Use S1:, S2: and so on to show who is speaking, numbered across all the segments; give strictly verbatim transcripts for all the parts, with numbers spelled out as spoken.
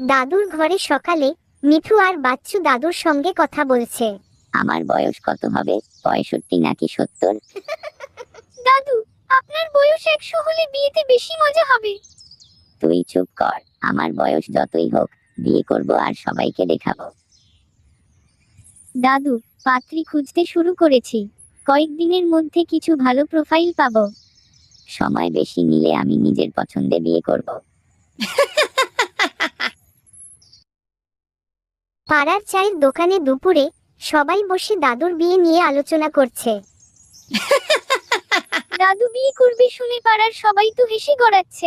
S1: দাদুর ঘরে সকালে মিঠু আর বাচ্চু দাদুর সঙ্গে কথা বলছে।
S2: আমার বয়স কত হবে, পঁয়ষট্টি নাকি সত্তর?
S3: দাদু, আপনার বয়স একশো হলে বিয়েতে বেশি মজা হবে।
S2: তুই চুপ কর, আমার বয়স যতই হোক বিয়ে করব আর সবাইকে দেখাবো।
S3: দাদু, পাত্রী খুঁজতে শুরু করেছি, কয়েকদিনের মধ্যে কিছু ভালো প্রোফাইল পাবো।
S2: সময় বেশি নিলে আমি নিজের পছন্দে বিয়ে করব।
S1: পাড়ার চায়ের দোকানে দুপুরে সবাই বসে দাদুর বিয়ে নিয়ে আলোচনা করছে।
S3: দাদু বিয়ে করবে শুনে পাড়ার সবাই তো হেসে গড়াচ্ছে।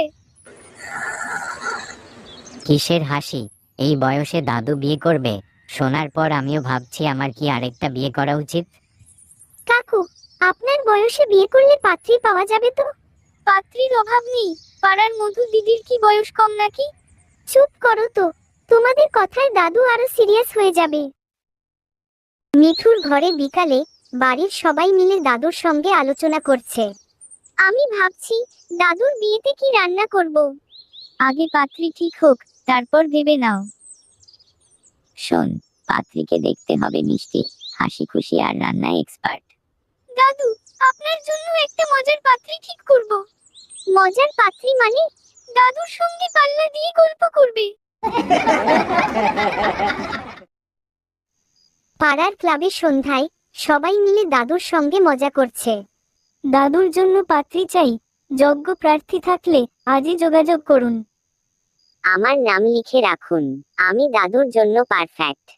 S4: কিসের হাসি? এই বয়সে দাদু বিয়ে করবে শোনার পর আমিও ভাবছি আমার কি আরেকটা বিয়ে করা উচিত।
S1: কাকু, আপনার বয়সে বিয়ে করলে পাত্রী পাওয়া যাবে তো?
S3: পাত্রীর অভাব নেই, পাড়ার মধু দিদির কি বয়স কম নাকি?
S1: চুপ করো তো, তোমাদের কথায় দাদু আরো সিরিয়াস হয়ে যাবে। মিঠুর ঘরে বিকালে বাড়ির সবাই মিলে দাদুর সঙ্গে আলোচনা করছে। আমি ভাবছি দাদুর বিয়েতে কি রান্না করব।
S3: আগে পাত্রী ঠিক হোক, তারপর ভেবে নাও।
S2: শোন, পাত্রীকে দেখতে হবে মিষ্টি, হাসি খুশি আর রান্নায় এক্সপার্ট।
S3: দাদু, আপনার জন্য একটা মজার পাত্রী ঠিক করব।
S1: মজার পাত্রী মানে?
S3: দাদুর সঙ্গে পাল্লা দিয়ে গল্প করবে।
S1: পাড়ার ক্লাবের সন্ধ্যায় সবাই মিলে দাদুর সঙ্গে মজা করছে।
S3: দাদুর জন্য পাত্রী চাই, যোগ্য প্রার্থী থাকলে আজই যোগাযোগ করুন।
S2: আমার নাম লিখে রাখুন, আমি দাদুর জন্য পারফেক্ট।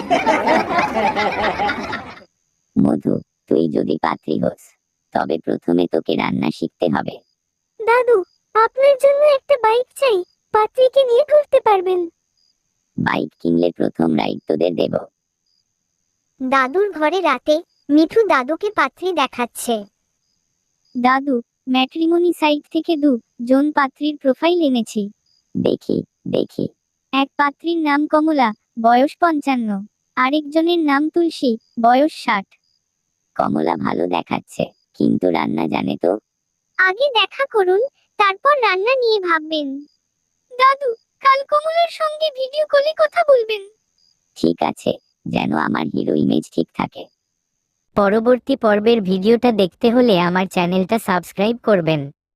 S2: মধু, তুই যদি পাত্রী হোস তবে প্রথমে তোকে রান্না শিখতে হবে।
S1: দাদু, আপনার জন্য একটা বাইক চাই, পাত্রীকে নিয়ে ঘুরতে পারবেন।
S2: বাইক কিনলে প্রথম রাইড তোদের দেব।
S1: দাদুর ঘরে রাতে মিঠু দাদুকে পাত্রী দেখাচ্ছে।
S3: দাদু, ম্যাট্রিমনি সাইট থেকে দু জন পাত্রীর প্রোফাইল এনেছি।
S2: দেখি দেখি।
S3: এক পাত্রীর নাম কমলা, বয়স পঞ্চান্ন। আরেকজনের নাম তুলসী, বয়স ষাট।
S2: কমলা ভালো দেখাচ্ছে, কিন্তু রান্না জানে তো?
S1: আগে দেখা করুন, তারপর রান্না নিয়ে ভাববেন।
S3: দাদু, কাল কমলার সঙ্গে ভিডিও কলে কথা বলবেন।
S2: ঠিক আছে, যেন আমার হিরো ইমেজ ঠিক থাকে।
S4: পরবর্তী পর্বের ভিডিওটা দেখতে হলে আমার চ্যানেলটা সাবস্ক্রাইব করবেন।